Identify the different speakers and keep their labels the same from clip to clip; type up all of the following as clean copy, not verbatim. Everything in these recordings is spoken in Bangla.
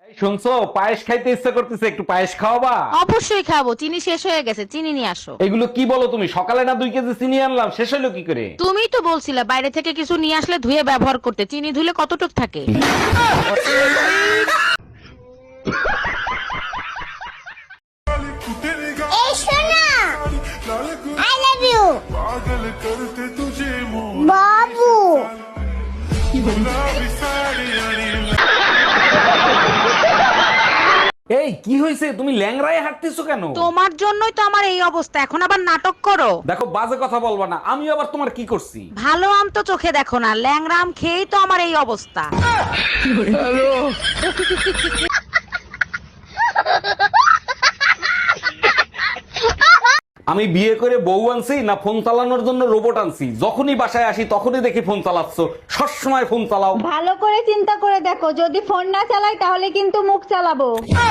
Speaker 1: শুনছো, পায়েস খাইতে ইচ্ছা করতেছে, একটু পায়েস খাওয়াবা?
Speaker 2: অবশ্যই খাবো, চিনি শেষ হয়ে গেছে, চিনি নিয়ে আসো।
Speaker 1: এগুলো কি বলো তুমি? সকালে না 2 কেজি চিনি আনলাম, শেষ হলো কি করে?
Speaker 2: তুমিই তো বলছিলা বাইরে থেকে কিছু নিয়ে আসলে ধুয়ে ব্যবহার করতে, চিনি ধুলে কতটুক থাকে।
Speaker 3: এই শোনা, আই লাভ ইউ বাবু।
Speaker 1: এই কি হয়েছে? তুমি ল্যাংড়ায় হাঁটতেছো কেন?
Speaker 2: তোমার জন্যই তো আমার এই অবস্থা, এখন আবার নাটক করো।
Speaker 1: দেখো, বাজে কথা বলবা না। আমি আবার তোমার কি করছি?
Speaker 2: ভালো আম তো চোখে দেখো না, ল্যাংরা আম খেয়েই তো আমার এই অবস্থা।
Speaker 1: আমি বিয়ে করে বউ আনছি না ফোন চালানোর জন্য রোবট আনছি? যখনই বাসায় আসি তখনই দেখি ফোন চালাচ্ছ। সবসময় ফোন চালাও।
Speaker 4: ভালো করে চিন্তা করে দেখো, যদি ফোন না চালাই তাহলে কিন্তু মুখ চালাবো।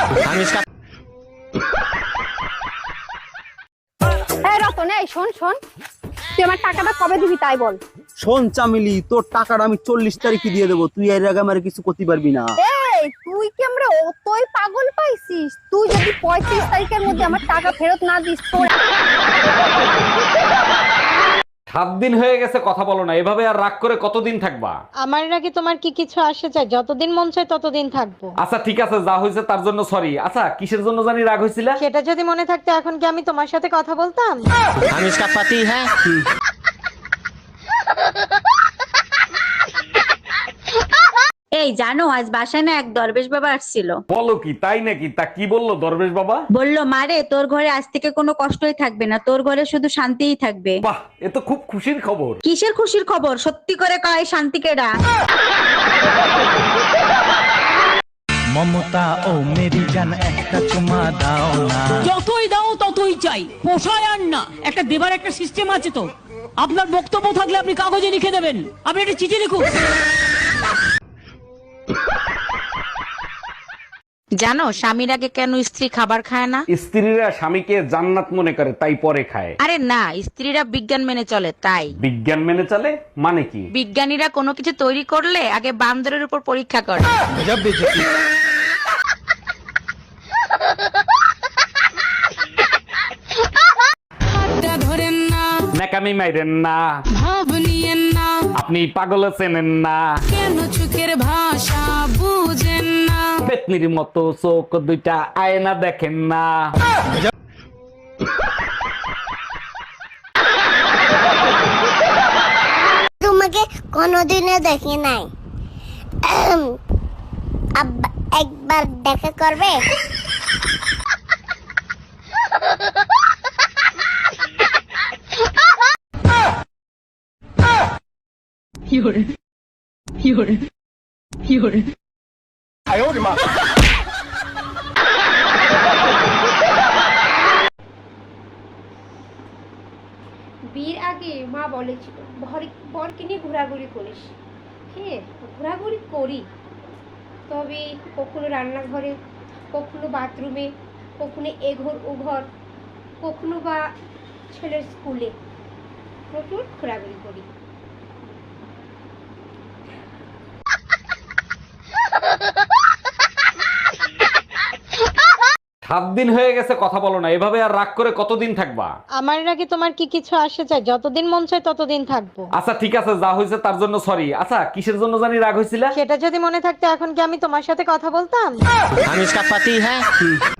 Speaker 5: এই রতন, এই শোন শোন, তুই আমার টাকাটা কবে দিবি তাই বল।
Speaker 6: শোন চামিলি, তোর টাকাটা আমি 40 তারিখে দিয়ে দেবো। তুই এর আগে আমার কিছু করতে পারবি না।
Speaker 5: এই তুই কি আমরা অতই পাগল পাইছিস? তুই যদি 35 তারিখের মধ্যে আমার টাকা ফেরত না দিস তোর
Speaker 1: 7 দিন হয়ে গেছে, কথা বলো না। এভাবে আর রাগ করে কতদিন থাকবা?
Speaker 7: আমার নাকি তোমার কি কিছু আসে চাই? যতদিন মন চায় ততদিন থাকবো।
Speaker 1: আচ্ছা ঠিক আছে, যা হয়েছে তার জন্য সরি। আচ্ছা, কিসের জন্য জানি রাগ হয়েছিল?
Speaker 7: সেটা যদি মনে থাকতো এখন কি আমি তোমার সাথে কথা বলতাম?
Speaker 6: हम इसका पति है।
Speaker 4: এই জানো, আজ বাসায় না এক দরবেশ বাবা আসছিল।
Speaker 1: বলো কি? তাই নাকি? তা কি বললো দরবেশ বাবা?
Speaker 4: বলল, মারে তোর ঘরে আজ থেকে কোনো কষ্টই থাকবে না, তোর ঘরে শুধু শান্তিই থাকবে।
Speaker 1: বাহ, এ তো খুব খুশির খবর।
Speaker 4: কিসের খুশির খবর? সত্যি করে কয়, শান্তি কেডা?
Speaker 8: মমতা ও মেরি জান একটা চুমা দাও না।
Speaker 9: যতই দাও ততই চাই, পোষায় আর না। একটা দেবার একটা সিস্টেম আছে তো। আপনার বক্তব্য থাকলে আপনি কাগজে লিখে দেবেন, আপনি একটা চিঠি লিখুন।
Speaker 2: জানো স্বামীর আগে কেন স্ত্রী খাবার খায় না?
Speaker 1: স্ত্রীরা স্বামীকে জান্নাত মনে করে, তাই পরে খায়।
Speaker 2: আরে না, স্ত্রীরা বিজ্ঞান মেনে চলে তাই।
Speaker 1: বিজ্ঞান মেনে চলে মানে কি?
Speaker 2: বিজ্ঞানীরা কোনো কিছু তৈরি করলে আগে বান্দরের উপর পরীক্ষা করে।
Speaker 9: ধরেন না,
Speaker 1: ন্যাকামি মাইরেন না,
Speaker 9: ভাব নিয়েন না,
Speaker 1: আপনি পাগল চেনেন না।
Speaker 9: কেন চোখের ভাষা বুঝেন না।
Speaker 1: পেতনির মতো চোখ দুইটা, আয়না দেখেন না।
Speaker 3: তোমাকে কোনোদিনও দেখি নাই, আব্বা একবার দেখা করবে?
Speaker 5: বিয়ের আগে মা বলেছিল বরকে নিয়ে ঘোরাঘুরি করিস। হ্যাঁ, ঘোরাঘুরি করি, তবে কখনো রান্নাঘরে, কখনো বাথরুমে, কখনো এ ঘর ও ঘর, কখনো বা ছেলের স্কুলে প্রচুর ঘোরাঘুরি করি।
Speaker 1: 7 দিন হয়ে গেছে, কথা বলো না। এভাবে আর রাগ করে কতদিন থাকবা?
Speaker 7: আমার নাকি তোমার কি কিছু আসে চাই? যতদিন মন চায় ততদিন থাকবো।
Speaker 1: আচ্ছা ঠিক আছে, যা হয়েছে তার জন্য সরি। আচ্ছা, কিসের জন্য জানি রাগ হয়েছিল?
Speaker 7: সেটা যদি মনে থাকতো এখন কি আমি তোমার সাথে কথা বলতাম?
Speaker 6: हम इसका पति है।